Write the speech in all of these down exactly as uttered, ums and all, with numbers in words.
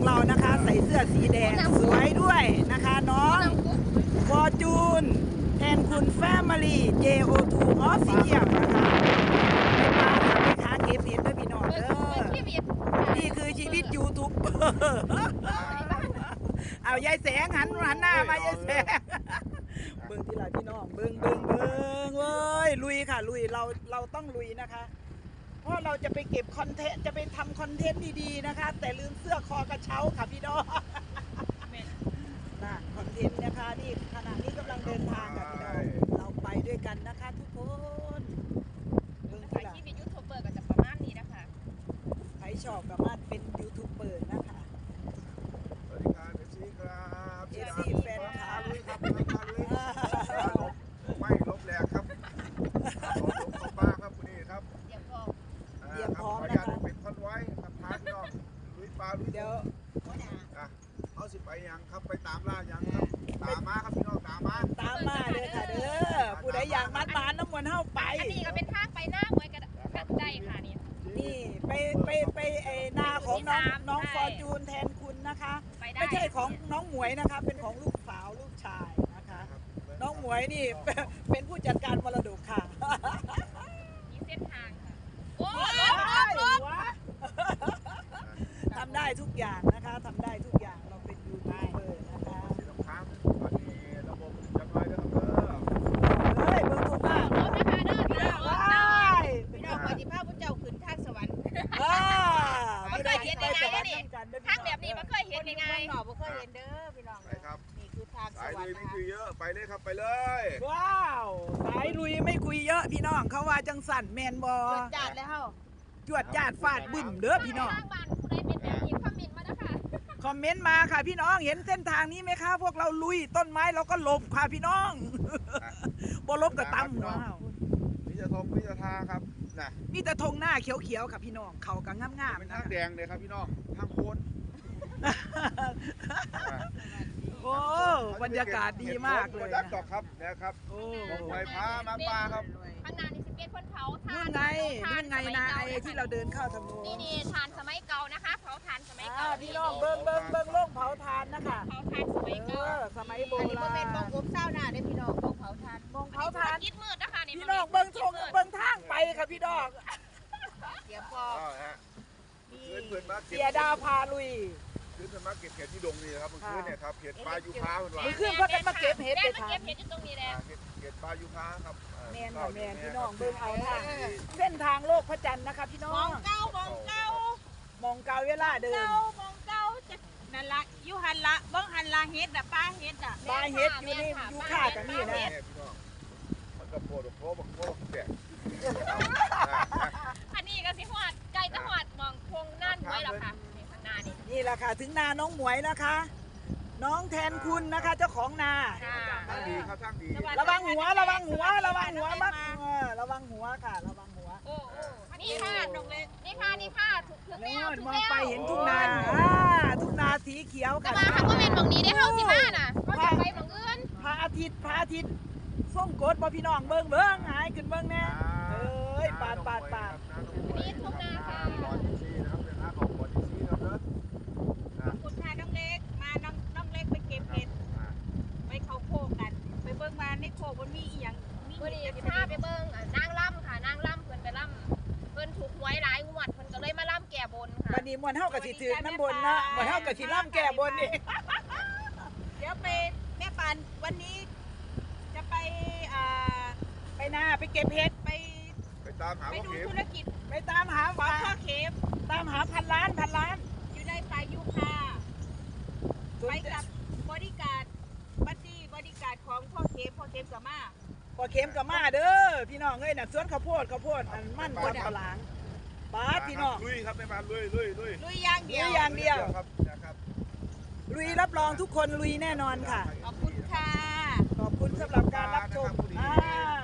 เรานะคะใส่เสื้อสีแดงสวยด้วยนะคะน้องฟอร์จูนแทนคุณแฟมิลี่ เจ โอ ทู Official นะคะไปมาค่ะไปค้าเก็บเห็ดด้วยพี่น้องเด้อนี่คือชีวิตยูทูบเบอร์เอายายแสงหันหันหน้ามายายแสงเบิ้งที่ไรพี่น้องเบิ้งเบิ้งเบิ้งเว้ยลุยค่ะลุยเราเราต้องลุยนะคะเพราะเราจะไปเก็บคอนเทนต์จะไปทำคอนเทนต์ดีๆนะคะแต่ลืมเสื้อคอกระเช้าค่ะพี่น้องน่ะคอนเทนต์นะคะนี่ขณะนี้กำลังเดินทางค่ะพี่น้องเราไปด้วยกันนะคะทุกคนเบิ้งที่ไรที่เป็นยูทูบเบอร์ก็จะประมาณนี้นะคะใครชอบสามารถเป็นยูทูบเบอร์นะคะสวัสดีครับเอฟซีครับเอฟซีแฟนคลับลุยครับลุยครับลุยไม่ลบแรงครับลบขอบป้าครับคุณนี่ครับเดี๋ยวพอเตรียมพร้อมนะคะเป็นคอนไว้ครับพาพี่น้องลุยปลาลุยเดี๋ยวอ่ะเอาสิไปยังครับไปตามล่ายังครับตามมาครับพี่น้องตามมาตามมาเลยค่ะเด้อผู้ใดอยากมัดมานน้ำมันเท่าไปอันนี้ก็เป็นทางไปหน้าหวยกันกันได้ค่ะนี่นี่ไปไปไปไอ้นาของน้องน้องฟอร์จูนแทนคุณนะคะไม่ใช่ของน้องหมวยนะคะเป็นของลูกสาวลูกชายนะคะน้องหมวยนี่เป็นผู้จัดการมรดกค่ะมีเส้นทางค่ะโอ้ลบลบลบทำได้ทุกอย่างนะคะทำได้ทุกอย่างเราเป็นยูทูบเบอร์นะคะสีน้ำค้างตอนนี้ระบบจะน้อยแล้วครับเด้อเฮ้ยเบอร์ถูกมากลบนะคะเด้อพี่น้องลบได้พี่น้องปฏิภาณพระเจ้าขึ้นทางสวรรค์ไม่เคยเห็นยังไงนี่ทางแบบนี้ไม่เคยเห็นยังไงหนอไม่เคยเห็นเด้อพี่น้องครับนี่คือทางสสายวรรค์ลุยไม่คุยเยอะไปเลยครับไปเลยว้าวสายลุยไม่คุยเยอะพี่น้องเขาว่าจังสั่นแมนบอจัดแล้วจวดจาดฟาดบึ้มเด้อพี่น้องทางบ้านผู้ใดเป็นแบบนี้คอมเมนต์มาแล้วค่ะคอมเมนต์มาค่ะพี่น้องเห็นเส้นทางนี้ไหมคะพวกเราลุยต้นไม้เราก็หลบค่ะพี่น้องบ่ลบกับตั้มว้าวนี่จะทงนี่จะทาครับนะมีแต่ธงหน้าเขียวๆค่ะพี่น้องเขากังงามๆเป็นทางแดงเลยครับพี่น้องทางโคนโอ้บรรยากาศดีมากเลยนะครับนะครับโอ้ไปพามาปลาครับข้างหน้านี่สิเป็นคนเผาทานนู่นไงนู่นไงนะไอ้ที่เราเดินเข้าทางโน้นนี่นี่ทานสมัยเก่านะคะเผาทานสมัยเก่าพี่น้องเบิ้งเบิ้งเบิ้งโล่งเผาทานนะคะเผาทานสมัยเก่าสมัยโบราณอันนี้เป็นมองอบเศร้าหน้าได้พี่น้องมองเผาทานมองเผาทานคิดมืดนะคะนี่พี่น้องเบิ้งทงเบิ้งทางไปค่ะพี่น้องเดี๋ยวพอเสียดาวพาลุยขึ้นมาเก็บเห็ดที่ดงนี่ครับเมื่อคืนเนี่ยครับเห็ดปลายูคาคนว่าเมื่อคืนเพื่อนมาเก็บเห็ดไปทานเก็บเห็ดตรงนี้แหละเห็ดปลายูคาครับแมนค่ะแมนพี่น้องเบิ้งเอาทางเส้นทางโลกพระจันทร์นะคะพี่น้องมองเก้ามองเก้ามองเก้าเวลาเดินมองเก้าจะนั่นละยูหันละบ้องหันละเห็ดอะปลาเห็ดอะปลาเห็ดอยู่นี่ยูค่ากับนี่นะพี่น้องมันก็โผล่โผล่บังโผล่แดดอันนี้ก็สิหอดไก่จะหอดมองพงนั่นไว้หรอคะนี่แหละค่ะถึงนาน้องหมวยนะคะ น้องแทนคุณนะคะเจ้าของนาทางดีครับทางดีระวังหัวระวังหัวระวังหัวมักระวังหัวค่ะระวังหัวโอ้นี่ค่ะตรงเลยนี่ค่ะนี่ค่ะถูกถึงแล้วมองไปเห็นทุ่งนาทุ่งนาสีเขียวค่ะมาเขาก็เป็นตรงนี้ได้เข้าสิบ้าน่ะเขาจะไปตรงอื่นพระอาทิตย์พระอาทิตย์ส่งกดบ่พี่น้องเบิ้งเบิ้งหายขึ้นเบิ้งแน่เอ้ยปาดปาดปาดนี่ทุ่งนาค่ะคุณชายน้องเล็กมาน้องน้องเล็กไปเก็บเห็ดไปเขาโคกกันไปเบิ้งมาในโคกมันมีอีหยังมีเห็ดจะพาไปเบิ้งนางล่ำค่ะนางล่ำเพิ่นไปล่ำเพิ่นถูกหวยหลายงวดเพิ่นก็เลยมาล่ำแก่บนค่ะวันนี้มวนเท่ากับสิถือน้ำบนนะมวนเท่ากับสิล่ำแก่บนนี่เดี๋ยวไปแม่ปานวันนี้จะไปอ่าไปนาไปเก็บเห็ดไปไปตามหาไปดูธุรกิจไปตามหาพ่อเข็มตามหาพันล้านพันล้านอยู่ในป่ายูคาไปกับบริการบัดดี้บริการของพ่อเข็มพ่อเข็มกับมาพ่อเข็มกับมาเด้อพี่น้องเอ้ยน่ะสวนข้าวโพดข้าวโพดอันมั่นกว่าปลางป้าพี่น้องลุยครับในบ้านลุยลุยลุยลุยอย่างเดียวลุยอย่างเดียวครับนะครับลุยรับรองทุกคนลุยแน่นอนค่ะขอบคุณค่ะขอบคุณสำหรับการรับชมอ่า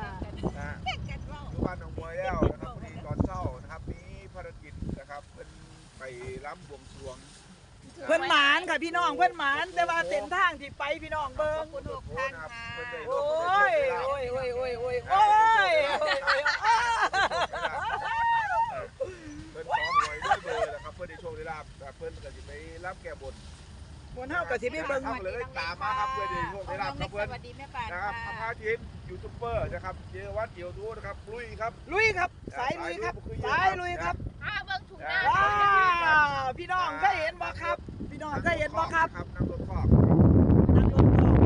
ทุกวันของมวยแล้วนะครับพอดีตอนเช้านะครับมีภารกิจนะครับเป็นไปล้ำบวงสรวงเพื่อนหมานค่ะพี่น้องเพื่อนหมานแต่ว่าเส้นทางที่ไปพี่น้องเบิ้งคุณทุกท่านค่ะโอ้ยโอ้ยโอ้ยโอ้ยโอ้ยโอ้ยเป็นซ้อมมวยด้วยเบอร์นะครับเพื่อได้โชคได้ลาบแบบเพิ่นก็สิไปรับแก้บนมวนเฮาก็สิไปเบิ่งทำเลยตามมาครับเพื่อจะโชคได้ลาบครับเพิ่นสวัสดีแม่ปานนะครับพาทีมยูทูบเบอร์นะครับเจวัดเดียวดูนะครับลุยครับลุยครับสายลุยครับสายลุยครับอ้าเบิ่งถุงหน้าว้าวพี่น้องเคยเห็นบ่ครับ พี่น้องเคยเห็นบ่ครับนั่งรถคอกนั่งรถออก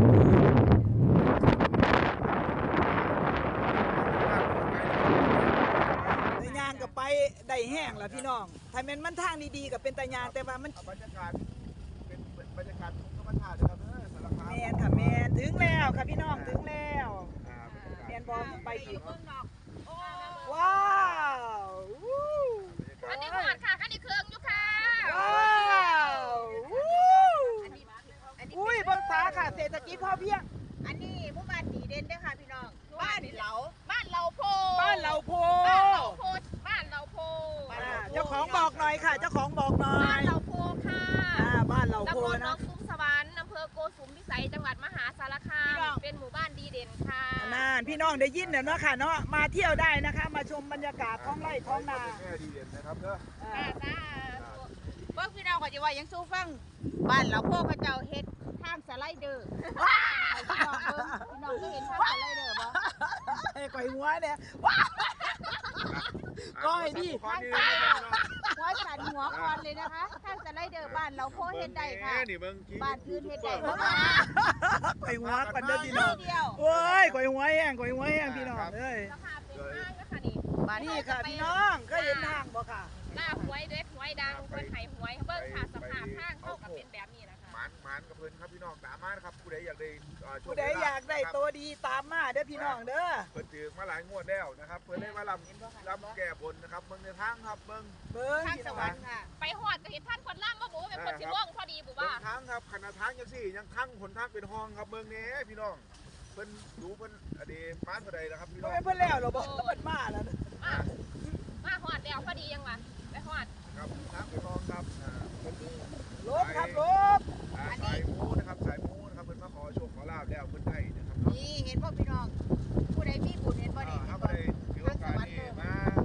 ในยางก็ไปได้แห้งแล้วพี่น้องถ้าแม่นมันทางดีๆก็เป็นตายางแต่ว่ามันบรรยากาศเป็นบรรยากาศธรรมชาตินะครับเออสารคามแม่นค่ะแม่นถึงแล้วค่ะพี่น้องถึงแล้วอ่าบรรยากาศแม่นบ่ไปอีกเบิ่งนอกโอ้ว้าววู้อันนี้หอดค่ะอันนี้เครื่องอยู่ค่ะว้าววู้อันนี้อันนี้อุ้ยเบิ่งฟ้าค่ะเศรษฐกิจพอเพียงอันนี้หมู่บ้านดีเด่นเด้อค่ะพี่น้องบ้านเหลาบ้านเหลาโพบ้านเราโพบ้านเหลาโพบ้านเหลาโพอ่าเจ้าของบอกหน่อยค่ะ เจ้าของบอกหน่อบ้าย นเหลาโพค่ะอ่าบ้านเราโพตำบลหนอนะงซุ้มสวรรค์อำเภอโกสุมพิสัยจังหวัดมหาสารคาม เป็นหมู่บ้านดีเด่นค่ะนานพี่น้องได้ยินเนาะค่ะเนาะมาเที่ยวได้นะคะ มาชมบรรยากาศท้องไร่ท้องนาแม่ดีเด่นนะครับเด้ออ่าจ้าเบิ่งพี่น้องก็จะว่ายังสู้ฟังบ้านเหลาโพเขาเจ้าเฮ็ดทางสไลเดอร์พี่น้องเบิ่งพี่น้องก็เห็นทางสไลเดอร์บ่ไอ้ก่อยหัวเนี่ยว้าว ก้อยดิขอนี่นะครับหัวสันหัวคอนเลยนะคะทางสไลเดอร์บ้านเหลาโพเฮ็ดได้ค่ะนี่เบิ่งกี้บ้านอื่นเฮ็ดได้บ่ก่อยหัวกันเด้อพี่น้องเดียวโอ้ยก่อยหัวแห้งก่อยหัวแห้งพี่น้องเอ้ยราคาเป็นห้างนะคะนี่นี่ค่ะพี่น้องเคยเห็นทางบ่ค่ะหน้าหวยเด็ดหวยดังเพิ่นให้หวยเบิ่งค่ะสภาพทางเข้ากับเป็นแบบนี้นะคะหมานหมานกับเพิ่นครับพี่น้องตามมานะครับผู้ใดอยากได้เอ่อโชผู้ใดอยากได้ตัวดีตามมาเด้อพี่น้องเด้อเพิ่นถือมาหลายงวดแล้วนะครับเพิ่นได้มาลำลำแก้บนนะครับเบิ่งในทางครับเบิ่งเบิ่งทางพี่สน้องวรรค์ค่ะ ไปฮอดก็เห็นท่านคนล่ำบ่บ่เป็นคนสิล่วงพอดีบ่เบิ่ว่างทางครับขนาดทางจังซี่ยังทั้งหนทางเป็นห้องครับเบิ่งแหน่พี่น้องเพิ่นดูเพิ่นอดีมานผู้ใดนะครับพี่น้บ่องแม่นเพิ่นแล้วเหรอบ่เพิ่นมาแล้วมามาฮอดแล้วพอดียังวะไปฮอดครับทางเป็นห้องครับอ่าเพิ่นลบครับลบอ่าสายมูนะครับสายมูนะครับเพิ่นมาขอโชคขอลาบแล้วเพิ่นได้นะครับเนาะนี่เห็นบ่พี่น้อง ผู้ใดมีบุญเห็นบ่นี่ถ้าผู้ใดถือโอกาสนี้มา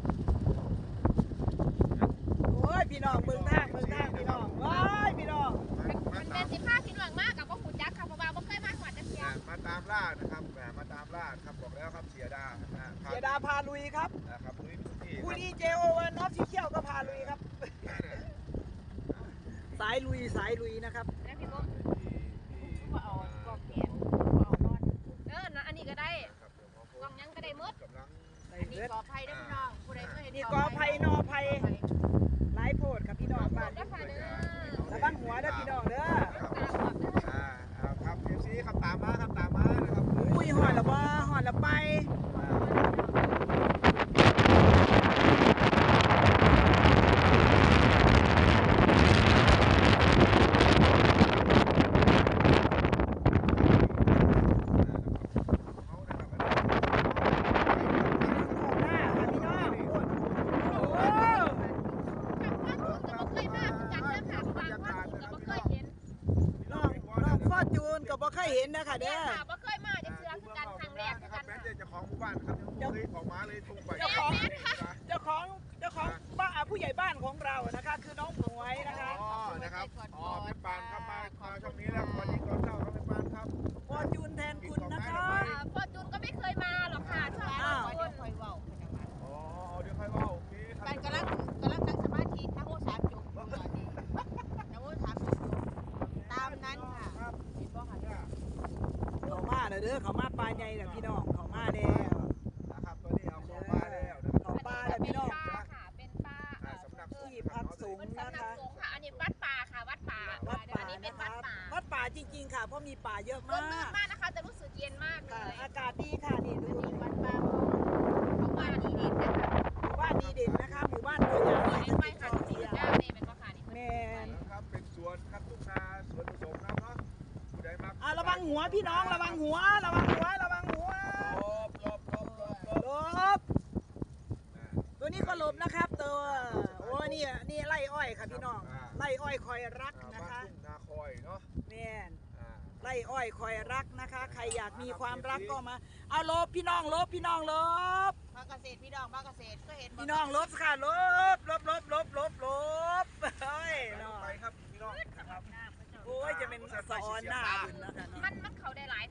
โอ้ยพี่น้องเบิ่งทางเบิ่งทางพี่น้องว้ายพี่น้องมามามันตาเป็นมสิบห้าพี่น้องมากกับบ่ฮู้จักค่ะเพราะว่าบ่เคยมาฮอดจักเที่ยอ่ามาตามล่านะครับอ่ามาตามล่าครับบอกแล้วครับเสียดาอ่าพเสียดาพาลุยครับนะครับลุยทุกที่คผู้รับดีเจโอวันออฟฟิเชียลก็พาลุยครับ สายลุยสายลุยนะครับแล้วพี่บ่ที่ที่บ่เอากล้องแขนบ่เอานอนเออนะอันนี้ก็ได้ครับเดี๋ยวหมอโฟกล้องยังก็ได้หมดกำลังอันนี้กอไผ่เด้อพี่น้องผู้ใดเคยเห็นนี่กอไผ่นอไผ่หลายโพดครับพี่น้องบ้านเด้อค่ะเด้อระวังหัวเด้อพี่น้องเด้ออ่าอ่าครับเอฟซีครับตามมาครับตามมานะครับอุ้ยหอดละบ่หอดละไปเขานะครับหน้าค่ะพี่น้องโอ้ก็บ่เคยมาจัดเด้อค่ะบางคนก็บ่เคยเห็นน้องน้องฟอร์จูนก็บ่เคยเห็นนะคะเด้เด้ออค่ะบ่เคยมาจักเทื่อคือกันครั้งแรกคือกันแม่ค่ะเจ้าของหมู่บ้านครับยังเคยของมาเลยทุ่งไปเจ้าของเจ้าของเจ้าของบ้านผู้ใหญ่บ้านของเรานะคะ คือน้องหมวยนะคะอ๋อนะครับอ๋อเป็นปานครับมามาช่วงนี้แล้ววันนี้ก่อนเช้าครับเป็นปานครับฟอร์จูนแทนคุณนะคะพ่อจูนก็ไม่เคยมาหรอกค่ะช่วงอ้าวนี้คนคอยเว้าอ๋อเดี๋ยวค่อยว่าโอเคครับมันกำลังกำลังนั่งสมาธิทั้งโอสามจุกตอนนี้ทั้งโอสามจุกตามนั้นค่ะเห็นบ่ค่ะเขามาแล้วเด้อเขามาปลาใหญ่แล้วพี่น้องเขามาแล้วนะครับตัวนี้เอาของมาแล้วนะครับเขาปลาแล้วพี่น้องป้าค่ะเป็นป้าอ่าสำนักที่พักสงฆ์เป็นนะสำนักคะสงฆ์ค่ะอันนี้วัดป่าค่ะวัดป่าวัดป่าอันนี้เป็นนะควัรัดบป่าวัดป่าจริงๆค่ะเพราะมีป่าเยอะร่มมารื่นกมากนะคะจะรู้สึกเย็นมากเลค่ะยอากาศดีค่ะนี่ดูนี่วัดป่าเขาว่าดีเด่นนะคะหมู่บ้านดีเด่นนะคะหมู่บ้านตัวอย่างเห็ที่นไหมติดจค่ะอสีเทียด้านนี่เป็นว่าค่ะนี่แมนนะครับเป็นสวนครับทุ่งนาสวนผสมครับเนาะผู้ใดมักอ่ะระวังหัวพี่น้องระวังหัวระวังหัวระวังหัวลบลบลบลบลบหลบตัวนี้ก็หลบนะครับตัวโอ้นี่นี่ไล่อ้อยค่ะพี่น้องไล่อ้อยคอยรักอ่านะบ้านคะทุ่งนาคอยเนาะแมนอ่าไล่อ้อยคอยรักนะคะ ใครอยากมีความรักก็มา เอาลบพี่น้องลบพี่น้องลบภาคเกษตรพี่น้องภาคเกษตรก็เห็นพี่น้องลบค่ะลบลบลบลบลบลบเฮ้ยลเนาะงไปครับพี่น้องนะครับโอ้ยจะเป็นสะออนหน้าบุญนะคะเนาะมันมันเขาได้หลาย